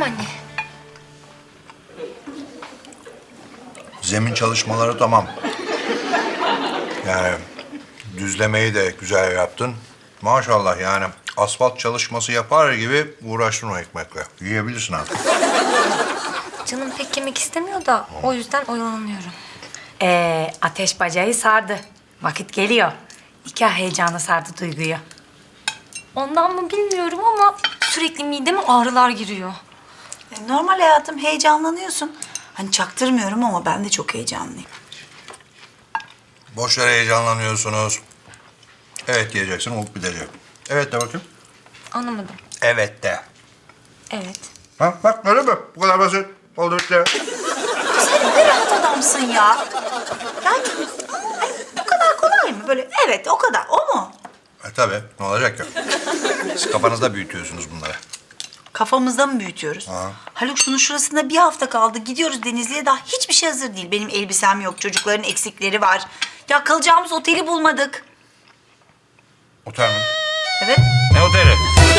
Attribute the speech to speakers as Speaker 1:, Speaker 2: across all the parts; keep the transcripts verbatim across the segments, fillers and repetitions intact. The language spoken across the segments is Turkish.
Speaker 1: Efendim anne.
Speaker 2: Zemin çalışmaları tamam. Yani düzlemeyi de güzel yaptın. Maşallah yani asfalt çalışması yapar gibi uğraştın o ekmekle. Yiyebilirsin artık.
Speaker 1: Canım pek yemek istemiyor da o yüzden oyalanıyorum.
Speaker 3: Ee, ateş bacayı sardı. Vakit geliyor. Nikah heyecanı sardı Duygu'yu.
Speaker 1: Ondan mı bilmiyorum ama sürekli mideme ağrılar giriyor.
Speaker 4: E, Normal hayatım, heyecanlanıyorsun. Hani çaktırmıyorum ama ben de çok heyecanlıyım.
Speaker 2: Boş yere heyecanlanıyorsunuz. Evet diyeceksin, olup bitecek. Evet de bakayım.
Speaker 1: Anlamadım.
Speaker 2: Evet de.
Speaker 1: Evet.
Speaker 2: Ha, bak öyle mi? Bu kadar basit. Oldu bitti.
Speaker 4: Sen ne rahat adamsın ya. Yani hani bu kadar kolay mı? Böyle evet o kadar, o mu?
Speaker 2: E tabii, ne olacak ya? Siz kafanızda büyütüyorsunuz bunları.
Speaker 4: Kafamızda mı büyütüyoruz?
Speaker 2: Ha.
Speaker 4: Haluk şunun şurasında bir hafta kaldı. Gidiyoruz Denizli'ye, daha hiçbir şey hazır değil. Benim elbisem yok, çocukların eksikleri var. Ya kalacağımız oteli bulmadık.
Speaker 2: Otel mi?
Speaker 4: Evet.
Speaker 2: Ne oteli?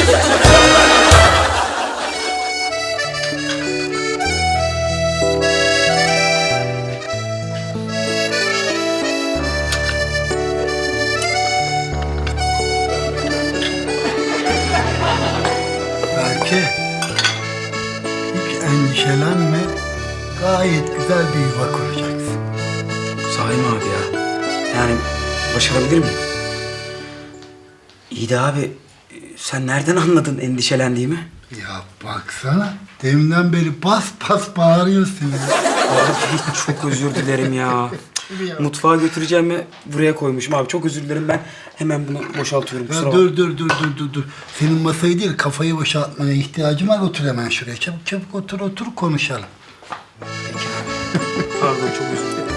Speaker 5: Belki hiç endişelenme. Gayet güzel bir yuva kuracaksın.
Speaker 6: Sahi mi abi ya? Yani başarabilir miyim? İyi de abi, e, sen nereden anladın endişelendiğimi?
Speaker 5: Ya baksana, deminden beri bas bas bağırıyorsun ya.
Speaker 6: Abi çok özür dilerim ya. Mutfağa götüreceğimi buraya koymuşum abi. Çok özür dilerim, ben hemen bunu boşaltıyorum. Kusura
Speaker 5: Ya
Speaker 6: bakma.
Speaker 5: dur dur dur dur dur dur. Senin masayı değil, kafayı boşaltmaya ihtiyacım var. Otur hemen şuraya. Çabuk çabuk otur otur konuşalım.
Speaker 6: Peki abi. Pardon, çok özür dilerim.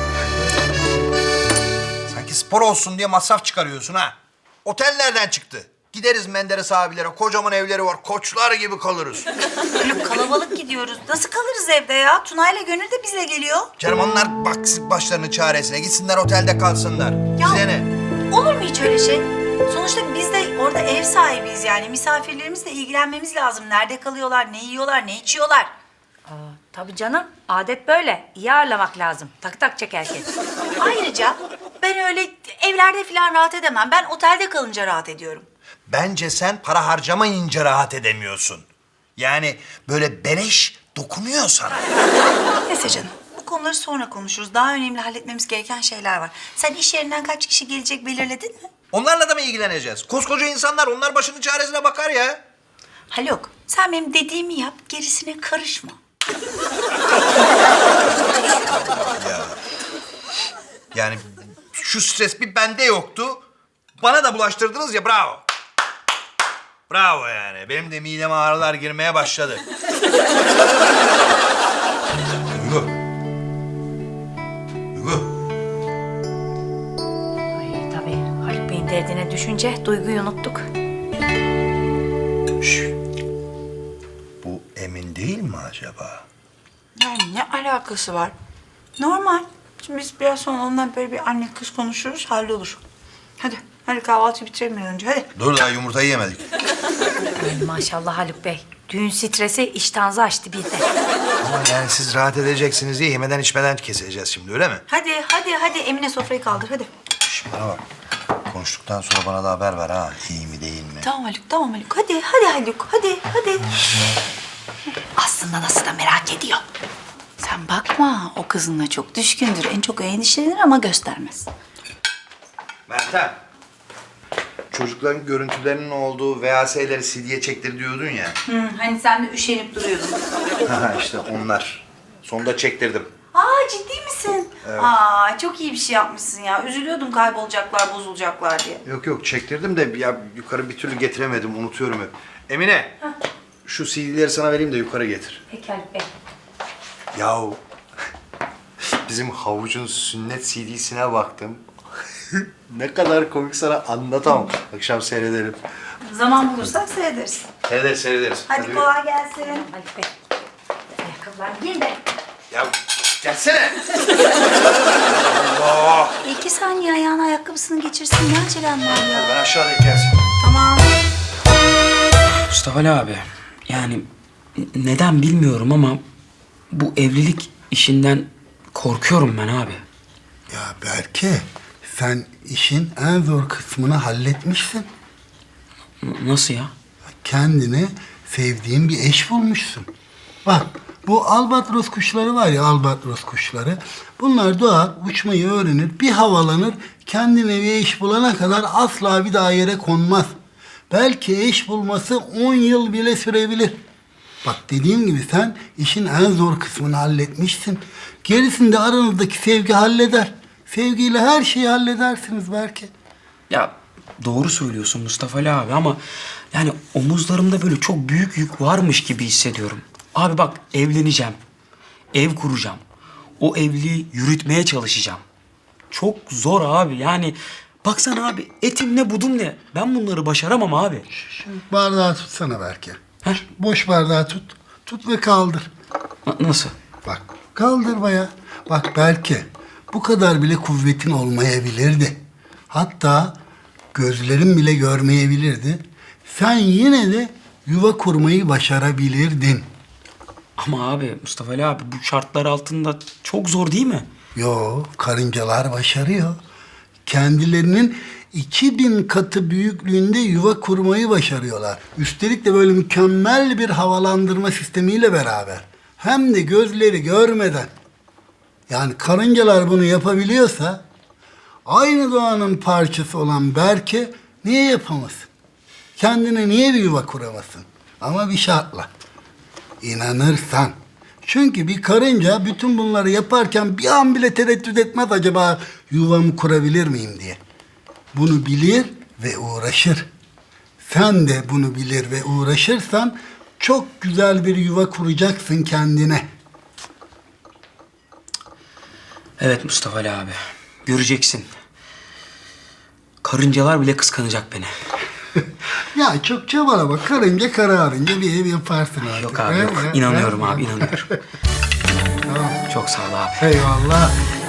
Speaker 2: Sanki spor olsun diye masraf çıkarıyorsun ha. Otel nereden çıktı? Gideriz Menderes abilere, kocaman evleri var, koçlar gibi kalırız.
Speaker 4: Haluk kalabalık gidiyoruz. Nasıl kalırız evde ya? Tuna'yla Gönül de bizle geliyor.
Speaker 2: Canım onlar baksın başlarının çaresine, gitsinler otelde kalsınlar.
Speaker 4: Ya-
Speaker 2: Size ne?
Speaker 4: Olur mu hiç öyle şey? Sonuçta biz de orada ev sahibiyiz yani. Misafirlerimizle ilgilenmemiz lazım. Nerede kalıyorlar, ne yiyorlar, ne içiyorlar?
Speaker 3: Aa, tabii canım. Adet böyle. İyi ağırlamak lazım. Tak tak çek herkes.
Speaker 4: Ayrıca ben öyle evlerde falan rahat edemem. Ben otelde kalınca rahat ediyorum.
Speaker 2: Bence sen para harcamayınca rahat edemiyorsun. Yani böyle beleş dokunuyor sana.
Speaker 4: Neyse canım. Bu konuları sonra konuşuruz. Daha önemli halletmemiz gereken şeyler var. Sen iş yerinden kaç kişi gelecek belirledin mi?
Speaker 2: Onlarla da mı ilgileneceğiz? Koskoca insanlar, onlar başının çaresine bakar ya.
Speaker 4: Haluk, sen benim dediğimi yap, gerisine karışma.
Speaker 2: Yani şu stres bir bende yoktu. Bana da bulaştırdınız ya, bravo. Bravo yani. Benim de mideme ağrılar girmeye başladı. Duygu. Duygu.
Speaker 3: Ay tabii. Haluk Bey'in derdine düşünce Duygu'yu unuttuk.
Speaker 2: Şş. Bu Emin değil mi acaba?
Speaker 4: Yani ne alakası var? Normal. Şimdi biz biraz sonra ondan böyle bir anne kız konuşuruz, hallolur. Hadi, hadi kahvaltıyı bitirelim bir an önce, hadi.
Speaker 2: Dur, daha yumurtayı yemedik.
Speaker 3: Ay maşallah Haluk Bey. Düğün stresi iştahınızı açtı bir de.
Speaker 2: Ama yani siz rahat edeceksiniz diye yemeden içmeden keseceğiz şimdi, öyle mi?
Speaker 4: Hadi, hadi, hadi. Emine sofrayı kaldır, hadi.
Speaker 2: Şş, bana bak. Konuştuktan sonra bana da haber ver ha. İyi mi değil mi?
Speaker 4: Tamam Haluk, tamam Haluk. Hadi, hadi Haluk, hadi, hadi. Aslında nasıl da merak ediyor. Sen bakma, o kızınla çok düşkündür. En çok endişelenir ama göstermez.
Speaker 2: Meltem. Çocukların görüntülerinin olduğu V H S'leri C D'ye çektir diyordun ya.
Speaker 4: Hı, hani sen de üşenip duruyordun.
Speaker 2: işte onlar. Sonunda çektirdim.
Speaker 4: Aa, ciddi misin? Evet. Aa, çok iyi bir şey yapmışsın ya. Üzülüyordum kaybolacaklar, bozulacaklar diye.
Speaker 2: Yok yok çektirdim de ya yukarı bir türlü getiremedim. Unutuyorum hep. Emine.
Speaker 4: Heh.
Speaker 2: Şu C D'leri sana vereyim de yukarı getir.
Speaker 3: Peki Haluk Bey.
Speaker 2: Yahu bizim havucun sünnet C D'sine baktım. Ne kadar komik, sana anlatamam. Akşam seyredelim.
Speaker 4: Zaman bulursak seyrederiz.
Speaker 2: Seyrederiz seyrederiz.
Speaker 4: Hadi, kolay gelsin.
Speaker 3: Haluk Bey. Ayakkabılarını giyin de.
Speaker 2: Ya gelsene. Allah.
Speaker 4: İki saniye ayağına ayakkabısını geçirsin. Ne acelem var ya?
Speaker 2: Ben aşağıdayım, gelsin.
Speaker 4: Tamam.
Speaker 6: Mustafa Ali abi, yani neden bilmiyorum ama bu evlilik işinden korkuyorum ben abi.
Speaker 5: Ya Berke, sen işin en zor kısmını halletmişsin.
Speaker 6: N- nasıl ya?
Speaker 5: Kendine sevdiğin bir eş bulmuşsun. Bak, bu albatros kuşları var ya, albatros kuşları. Bunlar doğar, uçmayı öğrenir, bir havalanır, kendine bir eş bulana kadar asla bir daha yere konmaz. Belki eş bulması on yıl bile sürebilir. Bak dediğim gibi sen işin en zor kısmını halletmişsin. Gerisini de aranızdaki sevgi halleder. Sevgiyle her şeyi halledersiniz belki.
Speaker 6: Ya doğru söylüyorsun Mustafa Ali abi ama yani omuzlarımda böyle çok büyük yük varmış gibi hissediyorum. Abi bak evleneceğim. Ev kuracağım. O evliliği yürütmeye çalışacağım. Çok zor abi yani. Baksana abi etim ne budum ne. Ben bunları başaramam abi.
Speaker 5: Şu bardağı tutsana belki.
Speaker 6: Heh.
Speaker 5: Boş bardağı tut. Tut ve kaldır.
Speaker 6: Na- nasıl?
Speaker 5: Bak kaldır baya. Bak belki bu kadar bile kuvvetin olmayabilirdi. Hatta gözlerin bile görmeyebilirdi. Sen yine de yuva kurmayı başarabilirdin.
Speaker 6: Ama abi Mustafa Ali abi bu şartlar altında çok zor değil mi?
Speaker 5: Yo, karıncalar başarıyor. Kendilerinin iki bin katı büyüklüğünde yuva kurmayı başarıyorlar. Üstelik de böyle mükemmel bir havalandırma sistemiyle beraber. Hem de gözleri görmeden. Yani karıncalar bunu yapabiliyorsa aynı doğanın parçası olan Berke niye yapamasın? Kendine niye bir yuva kuramasın? Ama bir şartla. İnanırsan. Çünkü bir karınca bütün bunları yaparken bir an bile tereddüt etmez acaba yuvamı kurabilir miyim diye. Bunu bilir ve uğraşır. Sen de bunu bilir ve uğraşırsan çok güzel bir yuva kuracaksın kendine.
Speaker 6: Evet Mustafa Ali abi. Göreceksin. Karıncalar bile kıskanacak beni.
Speaker 5: Ya çok çabalama. Karınca kararınca bir ev yaparsın artık.
Speaker 6: Yok abi
Speaker 5: He?
Speaker 6: yok.
Speaker 5: He?
Speaker 6: İnanıyorum
Speaker 5: He?
Speaker 6: abi inanıyorum.
Speaker 5: Tamam.
Speaker 6: Çok sağ ol abi.
Speaker 5: Eyvallah.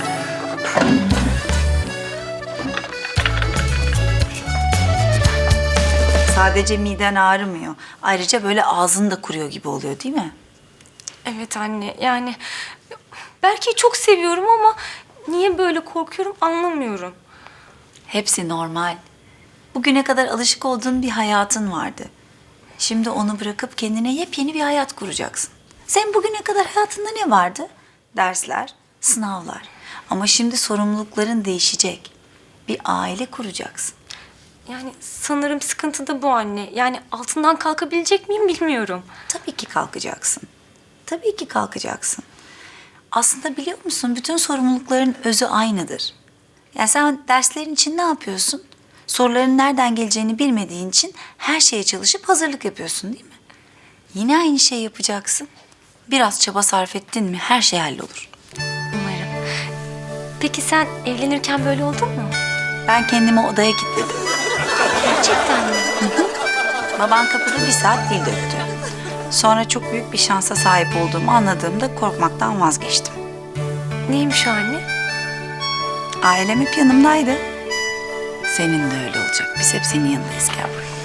Speaker 4: Sadece miden ağrımıyor. Ayrıca böyle ağzını da kuruyor gibi oluyor değil mi?
Speaker 1: Evet anne yani belki çok seviyorum ama niye böyle korkuyorum anlamıyorum.
Speaker 4: Hepsi normal. Bugüne kadar alışık olduğun bir hayatın vardı. Şimdi onu bırakıp kendine yepyeni bir hayat kuracaksın. Sen bugüne kadar hayatında ne vardı? Dersler, sınavlar. Ama şimdi sorumlulukların değişecek. Bir aile kuracaksın.
Speaker 1: Yani sanırım sıkıntı da bu anne. Yani altından kalkabilecek miyim bilmiyorum.
Speaker 4: Tabii ki kalkacaksın. Tabii ki kalkacaksın. Aslında biliyor musun bütün sorumlulukların özü aynıdır. Yani sen derslerin için ne yapıyorsun? Soruların nereden geleceğini bilmediğin için her şeye çalışıp hazırlık yapıyorsun değil mi? Yine aynı şeyi yapacaksın. Biraz çaba sarf ettin mi her şey hallolur.
Speaker 1: Umarım. Peki sen evlenirken böyle oldun mu?
Speaker 4: Ben kendimi odaya kilitledim.
Speaker 1: Gerçekten mi?
Speaker 4: Baban kapıda bir saat dil döktü. Sonra çok büyük bir şansa sahip olduğumu anladığımda korkmaktan vazgeçtim.
Speaker 1: Neymiş o anne?
Speaker 4: Ailem hep yanımdaydı. Senin de öyle olacak. Biz hep senin yanındayız gel buraya.